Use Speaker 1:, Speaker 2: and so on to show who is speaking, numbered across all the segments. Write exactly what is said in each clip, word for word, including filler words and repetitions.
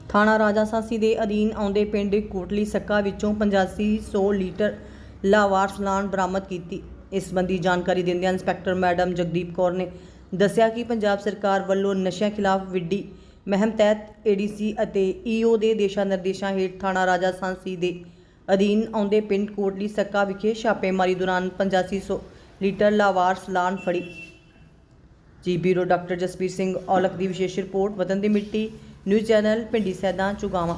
Speaker 1: ਥਾਣਾ ਰਾਜਾਸਾਂਸੀ ਦੇ ਅਧੀਨ ਆਉਂਦੇ ਪਿੰਡ ਕੋਟਲੀ सक्का ਵਿੱਚੋਂ ਪਚਾਸੀ ਸੌ ਲੀਟਰ ਲਾਵਾਰਸ ਲਾਨ ਬਰਾਮਦ ਕੀਤੀ। ਇਸ ਸੰਬੰਧੀ ਜਾਣਕਾਰੀ ਦਿੰਦਿਆਂ ਇੰਸਪੈਕਟਰ ਮੈਡਮ ਜਗਦੀਪ ਕੌਰ ਨੇ ਦੱਸਿਆ ਕਿ ਪੰਜਾਬ ਸਰਕਾਰ ਵੱਲੋਂ ਨਸ਼ਿਆਂ ਖਿਲਾਫ ਵਿੱਢੀ ਮੁਹਿੰਮ ਤਹਿਤ ਏਡੀਸੀ ਅਤੇ ਈਓ ਦੇ ਦਿਸ਼ਾ ਨਿਰਦੇਸ਼ਾਂ ਹੇਠ ਥਾਣਾ ਰਾਜਾਸਾਂਸੀ ਦੇ ਅਧੀਨ ਆਉਂਦੇ ਪਿੰਡ ਕੋਟਲੀ सक्का ਵਿਖੇ ਛਾਪੇਮਾਰੀ ਦੌਰਾਨ ਪਚਾਸੀ ਸੌ ਲੀਟਰ ਲਾਵਾਰਸ ਲਾਨ ਫੜੀ। ਜੀ ਬਿਊਰੋ ਡਾਕਟਰ ਜਸਬੀਰ ਸਿੰਘ ਔਲਖ ਦੀ ਵਿਸ਼ੇਸ਼ ਰਿਪੋਰਟ। ਵਤਨ ਦੀ ਮਿੱਟੀ ਨਿਊਜ਼ ਚੈਨਲ ਪਿੰਡੀ ਸੈਦਾ ਚੁਗਾਵਾਂ।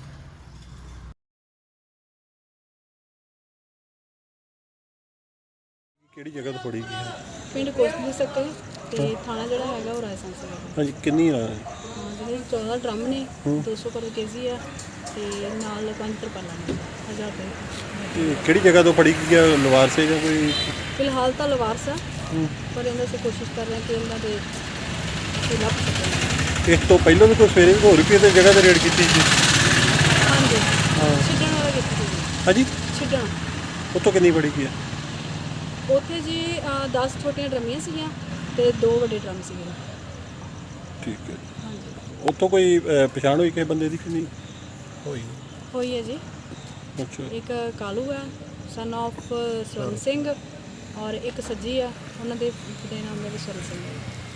Speaker 2: ਕਿਹੜੀ ਜਗ੍ਹਾ ਤੋਂ ਫੜੀ ਗਈ ਹੈ?
Speaker 3: ਪਿੰਡ ਕੋਟਲੀ सक्का ਤੇ ਥਾਣਾ ਜਿਹੜਾ ਹੈਗਾ ਉਹ ਰਾਜਸਾਂਸੀ ਹੈ।
Speaker 2: ਹਾਂਜੀ, ਕਿੰਨੀ ਆ?
Speaker 3: ਹਾਂ, ਜਿਹੜੇ ਚੌਦਾਂ ਡਰਮ ਨੇ ਦੋ ਸੌ ਪਰ ਕੇਜੀ ਆ ਤੇ ਨਾਲ ਪੰਜ ਤਰਪਾਲਾਂ ਨੇ ਹਜ਼ਾਰ ਰੁਪਏ।
Speaker 2: ਇਹ ਕਿਹੜੀ ਜਗ੍ਹਾ ਤੋਂ ਫੜੀ ਗਈ ਹੈ? ਲਵਾਰ ਸੇ ਜਾਂ ਕੋਈ?
Speaker 3: ਫਿਲਹਾਲ ਤਾਂ ਲਵਾਰਸ ਆ, ਪਰ ਇਹਨਾਂ ਅਸੀਂ ਕੋਸ਼ਿਸ਼ ਕਰ ਰਹੇ ਹਾਂ ਕਿ ਇਹਨਾਂ ਦੇ ਅਸੀਂ ਲੱਭ ਸਕੀਏ।
Speaker 2: ਇਸ ਤੋਂ ਪਹਿਲਾਂ ਵੀ ਕੋਈ ਸਵੇਰੇ ਹੋਰ ਵੀ ਕਿਸੇ ਜਗ੍ਹਾ ਤੇ ਰੇਡ ਕੀਤੀ ਸੀ?
Speaker 3: ਹਾਂਜੀ,
Speaker 2: ਹਾਂ।
Speaker 3: ਛਿੱਡਣ ਵਾਲਾ ਕੀਤੀ ਸੀ।
Speaker 2: ਹਾਂਜੀ,
Speaker 3: ਛਿੱਡਣ
Speaker 2: ਉੱਥੋਂ ਕਿੰਨੀ ਫੜੀ ਗਈ ਹੈ?
Speaker 3: ਉੱਥੇ ਜੀ ਦਸ ਛੋਟੀਆਂ ਡਰਮੀਆਂ ਸੀਗੀਆਂ ਤੇ ਦੋ ਵੱਡੇ ਡਰਮ ਸੀਗੇ।
Speaker 2: ਠੀਕ ਹੈ।
Speaker 3: ਹਾਂਜੀ,
Speaker 2: ਉੱਥੋਂ ਕੋਈ ਅਹ, ਪਛਾਣ ਹੋਈ ਕਿਸੇ ਬੰਦੇ ਦੀ ਕਿ ਨਹੀਂ ਹੋਈ?
Speaker 3: ਹੋਈ ਹੈ ਜੀ।
Speaker 2: ਅੱਛਾ,
Speaker 3: ਇੱਕ ਕਾਲੂ ਹੈ ਸਨ ਆਫ ਸਵਰਨ ਸਿੰਘ, ਔਰ ਇੱਕ ਸੱਜੀ ਆ, ਉਹਨਾਂ ਦੇ ਪਿਤਾ ਦਾ ਨਾਮ ਹੈ ਸਵਰਨ ਸਿੰਘ।